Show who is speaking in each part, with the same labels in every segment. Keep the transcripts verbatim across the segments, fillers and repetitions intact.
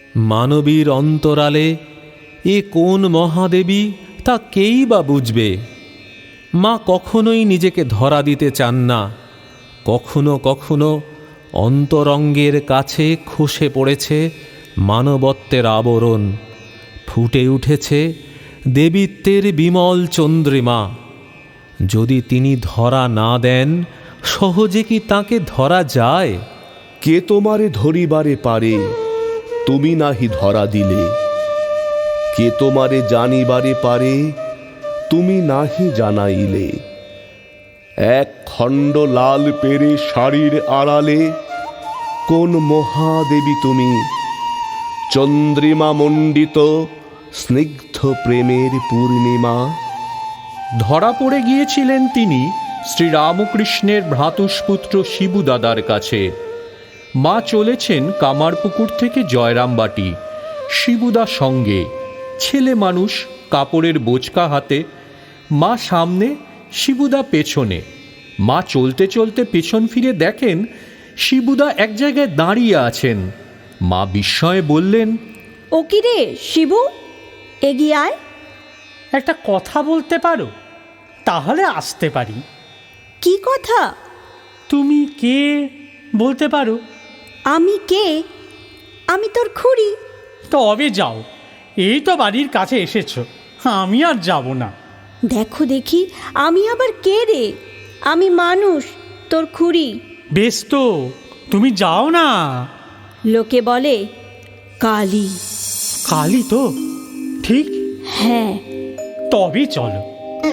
Speaker 1: মানবীর অন্তরালে এ কোন মহাদেবী তা কেই বা বুঝবে। মা কখনোই নিজেকে ধরা দিতে চান না। কখনো কখনো অন্তরঙ্গের কাছে খসে পড়েছে মানবত্বের আবরণ, ফুটে উঠেছে দেবীত্বের বিমল চন্দ্রিমা। যদি তিনি ধরা না দেন, সহজে কি তাকে ধরা যায়?
Speaker 2: কে তোমারে ধরিবারে পারে, তুমি নাহি ধরা দিলে। কে তোমারে জানিবারে পারে, তুমি নাহি জানাইলে। এক খণ্ড লাল পেরে শাড়ির আড়ালে কোন মহাদেবী তুমি, চন্দ্রিমা মণ্ডিত স্নিগ্ধ প্রেমের পূর্ণিমা।
Speaker 3: ধরা পড়ে গিয়েছিলেন তিনি শ্রীরামকৃষ্ণের ভ্রাতুষ্পুত্র শিবু দাদার কাছে। মা চলেছেন কামারপুকুর থেকে জয়রামবাটি, শিবুদা সঙ্গে। ছেলে মানুষ, কাপড়ের বোচকা হাতে। মা সামনে, শিবুদা পেছনে। মা চলতে চলতে পেছন ফিরে দেখেন শিবুদা এক জায়গায় দাঁড়িয়ে আছেন। মা বিস্ময়ে বললেন,
Speaker 4: ও কি রে শিবু, এগিয়ে আয়।
Speaker 5: একটা কথা বলতে পারো? তাহলে আসতে পারি।
Speaker 4: কি কথা?
Speaker 5: তুমি কে বলতে পারো?
Speaker 4: আমি কে? আমি তোর খুড়ি।
Speaker 5: তবে যাও, এই তো বাড়ির কাছে এসেছো, আমি আর যাব না।
Speaker 4: দেখো দেখি আমি আবার কে রে? আমি মানুষ, তোর খুড়ি।
Speaker 5: বেশ তো, তুমি যাও না।
Speaker 4: লোকে বলে কালী।
Speaker 5: কালী তো? ঠিক।
Speaker 4: হ্যাঁ।
Speaker 5: তবে চলো।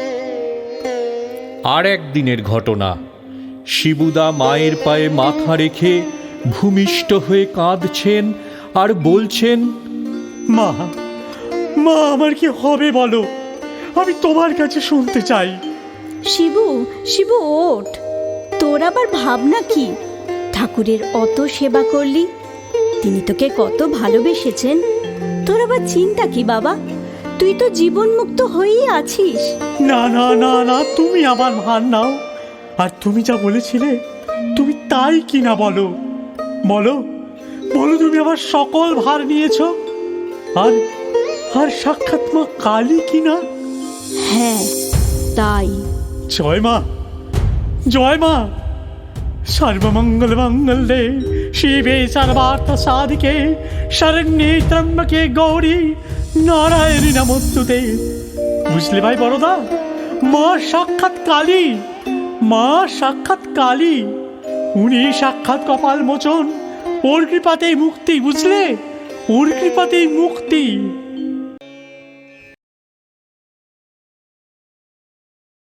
Speaker 3: আর একদিনের ঘটনা। শিবুদা মায়ের পায়ে মাথা রেখে ভূমিষ্ঠ হয়ে কাঁদছেন আর বলছেন,
Speaker 5: মা, মা আমার কি হবে বলো, আমি তোমার কাছে শুনতে চাই।
Speaker 4: শিবু, শিবু ওঠ। তোর আবার ভাবনা কি? ঠাকুরের অত সেবা করলি, তিনি তোকে কত ভালোবেসেছেন। তোর আবার চিন্তা কি বাবা? তুই তো জীবন মুক্ত হয়েই আছিস।
Speaker 5: না না না না, তুমি আমার ভার নাও। আর তুমি যা বলেছিলে, তুমি তাই কি না বলো? বলো বলো, তুমি আমার সকল ভার নিয়েছ। আর আর সাক্ষাৎ মা কালী কি না?
Speaker 4: হ্যাঁ তাই।
Speaker 5: জয় মা, জয় মা। সর্বমঙ্গল মঙ্গলে শিবে সর্বার্থ সাধিকে শরণ্যে ত্র্যম্বকে গৌরী নারায়ণী নমস্তুতে। বুঝলে ভাই বড়দা, মা সাক্ষাৎ কালী, মা সাক্ষাৎ কালী। উনি সাক্ষাৎ কপাল মোচন। ওর কৃপাতেই মুক্তি, বুঝলে? ওর কৃপাতেই মুক্তি।